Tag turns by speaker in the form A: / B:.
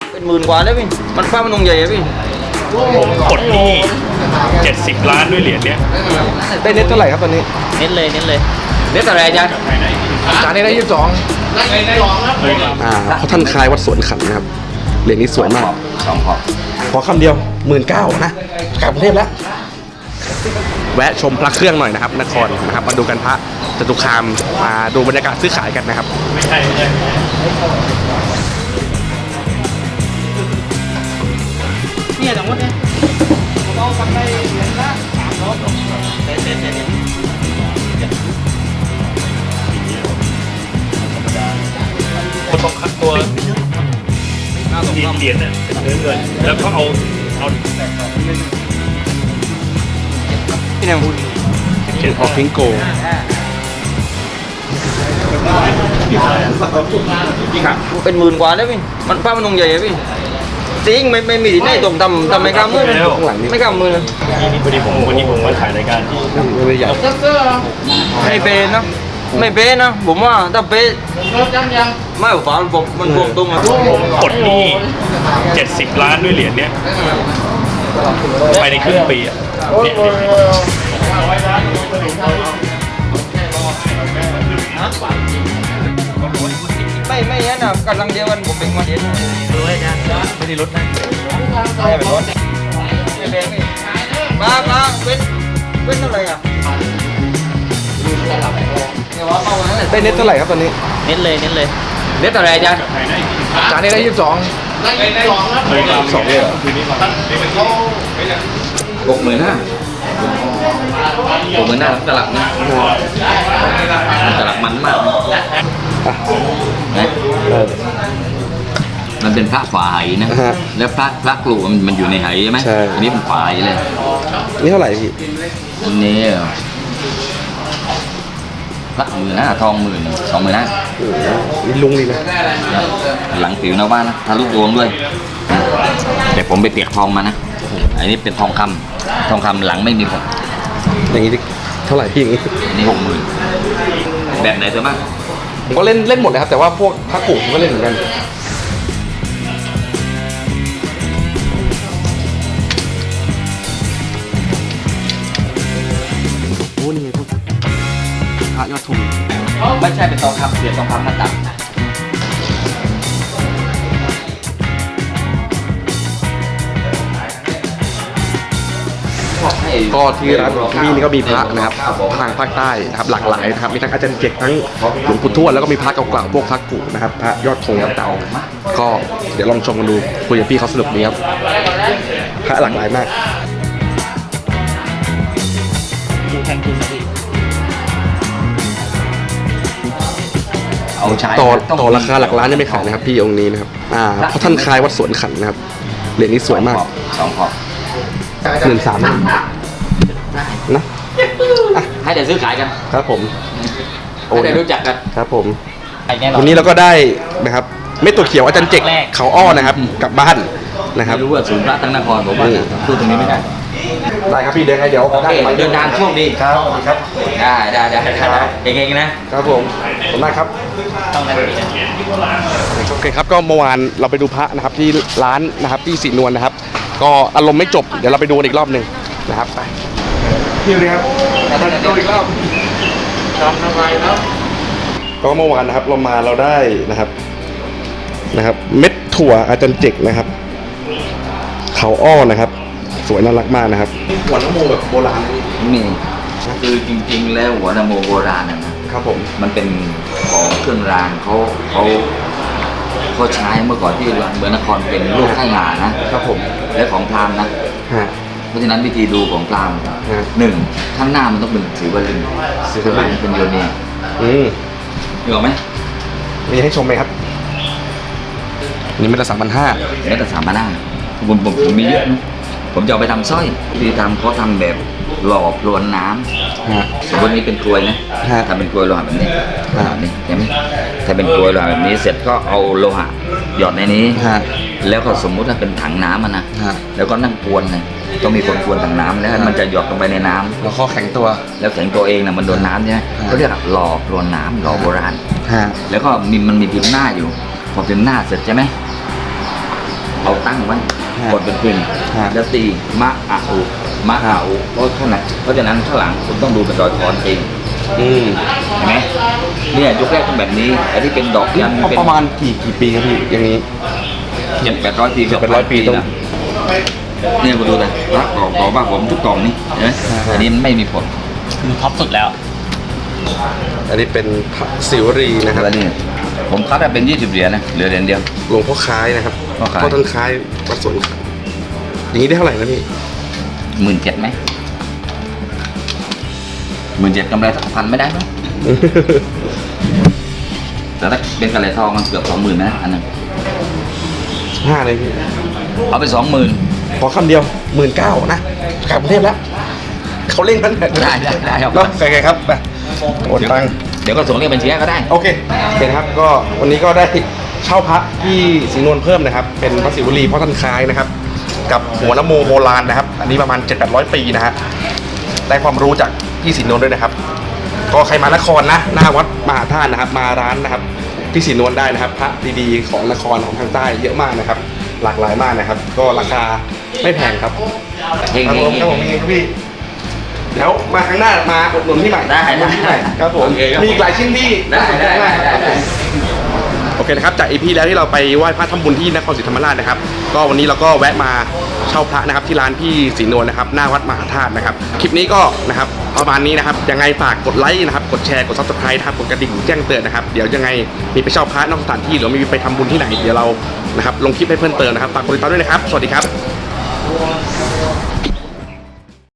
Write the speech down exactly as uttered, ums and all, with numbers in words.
A: เป็นหมื่นกว่าแล้วพี่มันฟ้ามันนงใหญ่อะพี่
B: ผมกดหนี้เจ็ดสิบล้านด้วยเหรียญเนี้ย
C: ได้เน็ตเท่าไหร่ครับตอนนี้
A: เน้นเลยเน้นเลยเน้นอะไรอาจารย์
C: จานนี้ได้ยี่สิบสองอ่าเพราะท่านคลายวัดสวนขันนะครับเหรียญนี้สวยมาก
A: สองขอบ
C: ขอคำเดียวหมื่นเก้านะกลับกรุงเทพแล้วแวะชมพระเครื่องหน่อยนะครับนครนะครับมาดูกันพระจตุคามมาดูบรรยากาศซื้อขายกันนะครับ
B: ไม่ใช่ไม่ใช่
A: เนี่ยสมมติเนี่ยเราทำได้เหรียญละสามร้อยเซ็นเซ็นเซ็น
B: คนต้องคัดตัวทีเหรียญเนี่ยเงินเงินแล้วก็เอาเอา
A: พี่แนมพูด
C: เจอพอพิงโก
A: เป็นหมื่นกว่าแล้วพี่มันฟ้ามันนงใหญ่อะพี่จริงไม่ไม่มีที่ไหนตรงทำทำไม่กล้ามือไม่กล้ามือเลย
B: นี่นี่พอดีผมวันนี้ผมมาถ่ายรายการที่
C: ไม่ใหญ่
A: ไม่เป็นนะไม่เป็นนะผมว่าถ้าเป็นไม่ฝาผมมันพวงตรงอะ
B: ผมกดหนี้เจ็ดสิบล้านด้วยเหรียญเนี้ยภายในครึ่งปีอ่ะเนี่ย
A: ไม่ไม่ยันนะกำลังเดียวกันผมเป็นมาเดียวด้วยนะไม่ได้ลดนะไม่เป็นรถไม่เป็นไม่มามาเป็นเป็นเท่าไหร่อ่ะ
C: ได้เน็ตเท่าไหร่ครับตอนนี้
A: เน้นเลยเน้นเลยเน้นเท่าไหร่อาจารย์
C: จานนี้ได้ยี่สิบสอง
B: สองเลยเหรอ
A: หกหมื่นห้าหกหมื่นห้าตลับนะตลับมันมากนะมันเป็นพระฝาไหนะแล้วพระพระกลุ่มมันอยู่ในไหใช่ไหมอันนี้เป็นฝาไหเลย
C: นี่เท่าไหร่พี่
A: อันนี้พระหมื่นห้าทองหมื่นสองหมื่นห้า
C: นี่ลุงดีนะ
A: หลังผิวหน้าบ้านนะทะลุดวงด้วยแต่ผมไปเปียกทองมานะอันนี้เป็นทองคำทองคำหลังไม่มีผม
C: อย่างนี้เท่าไหร่พี่อย่างนี้
A: นี่หกหมื่นแบบไหนเธอบ้าง
C: ผมก็เล่นเล่นหมดเลยครับแต่ว่าพวกพระกุผมก็เล่นเหมือนกันโอ้นี่ไงพวกพระยอดธง
A: ไม่ใช่เป็นทองคำเปลี่ยนทองคำมาตัด
C: ก็ที่ร้านพี่นี่ก็มีพระนะครับทางภาคใต้นะครับหลากหลายนะครับมีทั้งอาจารย์เจกทั้งหลวงปู่ทวดแล้วก็มีพระเก่าๆพวกพระกุนะครับพระยอดธงเก่าๆก็เดี๋ยวลองชมกันดูคุยกับพี่เขาสนุกดีครับพระหลากหลายมากต่อต่อราคาหลักล้านนี่ไม่ขายนะครับพี่องค์นี้นะครับอ่าเพราะท่านคลายวัดสวนขันนะครับเหรียญนี้สวยมาก
A: สองขอบ
C: หนึ่งสามนะ
A: ให้เดี๋ยวซื้อขายกัน
C: ครับผม
A: ให้เดี๋ยวรู้จักกัน
C: ครับผมวันนี้เราก็ได้นะครับเม็ดตัวเขียวอาจารย์เจกเขาอ้อนะครับกลับบ้านนะครับ
A: รู้ว่าศูนย์พระทั้งนครผมว่าพูดตรงนี้ไม่ได้
C: ได้ครับพี่เดินไงเดี๋ยว
A: เดินทางช่วงนี้
C: ครับครับ
A: ได้ได้ได้เก่งๆนะครับ
C: ผมขอบคุณมากครับโอเคครับก็เมื่อวานเราไปดูพระนะครับที่ร้านนะครับที่สีนวลนะครับก็อารมณ์ไม่จบเดี๋ยวเราไปดูอีกรอบหนึ่งนะครับไปพี่เลยครับดูอีกรอบจำทำไมครับก็เมื่อวานนะครับเรามาเราได้นะครับนะครับเม็ดถั่วอาจารย์เจกนะครับเขาอ้อนะครับสวยน่ารักมากนะครับหัวนโมแบบโบราณ
A: นี่คือจริงๆแล้วหัวนโมโบราณนะครับ
C: ผม
A: มันเป็นของเครื่องรางเขาเขาเขาใช้เมื่อก่อนที่เมืองนครเป็นลูกไข่หานะครับผมและของพราหมณ์นะเพราะฉะนั้นวิธีดูของพราหมณ์หนึ่งข้างหน้ามันต้องเป็นสีวลึงสีวลึงเป็นโยนี
C: อืม
A: เหรอไหม
C: มีให้ชมไหมครับนี่เม็ดละสามพันห้า
A: เม็ดละสามพันห้าผมผมผมมีเยอะนะผมจะเอาไปทำสร้อยที่ทำเขาทำแบบหล่อพรวนน้ำสมมตินี้เป็นกลวยนะทำเป็นกลวยโลหะแบบนี้แบบนี้ใช่ไหมถ้าเป็นกลวยโลหะแบบนี้เสร็จก็เอาโลหะหยอดในนี้แล้วก็สมมุติว่าเป็นถังน้ำมันนะแล้วก็นั่งกวนเลยต้องมีคนกวนถังน้ำแล้วมันจะหยดลงไปในน้ำ
C: แล้วข้อแข็งตัว
A: แล้วแข็งตัวเองนะมันโดนน้ำใช่ไหมเขาเรียกหล่อพรวนน้ำหล่อโบราณแล้วก็มีมันมีพิมพ์หน้าอยู่พอพิมพ์หน้าเสร็จใช่ไหมเอาตั้งไว้
C: ฮะ
A: กดเป็นพิน
C: ฮะ
A: แล้วตีมะอะอุมะอะอุเพราะขนาดเพราะฉะนั้นข้างหลังคุณต้องดูเป็นรอยคอนเอง
C: อืม
A: เห็นไหมเนี่ยยุคแรกต้องแบบนี้ไอ้ที่เป็นดอกยันเป็น
C: ประมาณกี่กี่ปีครับพี่อย่างนี้
A: เจ็ดแปดร้อยปี
C: เจ็ดแปดร้อยปีต้อง
A: นะเนี่ยคุณดูนะรักกรอบกรอบบ้าผมทุกกล่องนี่เห็นไหม
C: ฮะ
A: อันนี้มันไม่มีผล
B: คือท็อปสุดแล้ว
C: อันนี้เป็นพระศิวรีนะครับ
A: แล้วนี่ผมคัดได้เป็นยี่สิบเหรียญนะเหลือเหรียญเดียว
C: หลวงพ่อคล้ายนะครับ
A: พ่อคล้าย
C: พ่อท่านคล้ายวัดสวนขาวอย่างนี้ได้เท่าไหร่นะพี่
A: หมื่นเจ็ดไหมหมื่นเจ็ดกำไรสักพันไม่ได้ไหมแต่ถ้าเป็นกระไรทองมันเกือบสองหมื่นนะอันนั้น
C: ห้าเลยพี่
A: เอาไปสองหมื่น
C: ขอคำเดียวหมื่นเก้านะกลับกรุงเทพแล้วเขาเร่งกัน
A: ได้ได้ได้ครับ
C: เนาะใครๆครับไปโอนตังค์
A: เดี๋ยวก็ส่งเรียกบัญชีให้ก็ได้
C: โอเคโอเคนะครับก็วันนี้ก็ได้เช่าพระที่ศรีนวลเพิ่มนะครับ เป็นพระศิวลีพ่อท่านคล้ายนะครับ กับหัวนโมโบราณนะครับ อันนี้ประมาณ เจ็ดแปดร้อย ปีนะฮะได้ความรู้จากพี่ศรีนวลด้วยนะครับ ก็ใครมานครนะหน้าวัดมหาธาตุนะครับ มาร้านนะครับพี่ศรีนวลได้นะครับพระดีๆของนครของทางใต้เยอะมากนะครับ หลากหลายมากนะครับ ก็ราคาไม่แพงครับ
A: เฮง
C: ครับ
A: เฮ
C: ผ
A: ง
C: มครับผมเองครับพี่เดี๋ยวมาครั้งหน้ามาอุดหนุนที่ใหม่
A: ได้
C: อุดหนุนที่ใหม่
A: ได้
C: ครับผม
A: โอเคครับ
C: มีอีกหลายชิ้นที่
A: ได้
C: น่าสนใจมาก
A: ได้
C: ครับผมโอเคนะครับจากอีพีแล้วที่เราไปไหว้พระทำบุญที่นครศรีธรรมราชนะครับ ก็วันนี้เราก็แวะมาเช่าพระนะครับที่ร้านพี่ศรีนวลนะครับหน้าวัดมหาธาตุนะครับคลิปนี้ก็นะครับประมาณนี้นะครับยังไงฝากกดไลค์นะครับกดแชร์กดซับสไครต์นะครับกดกระดิ่งแจ้งเตือนนะครับเดี๋ยวยังไงมีไปเช่าพระนอกสถานที่หรือมีไปทำบุญที่ไหนเดี๋ยวเรานะครับลงคลิปให้เพิ่มเติมนะครับฝากกดติดตามด้วยนะครับสวัสดีครับ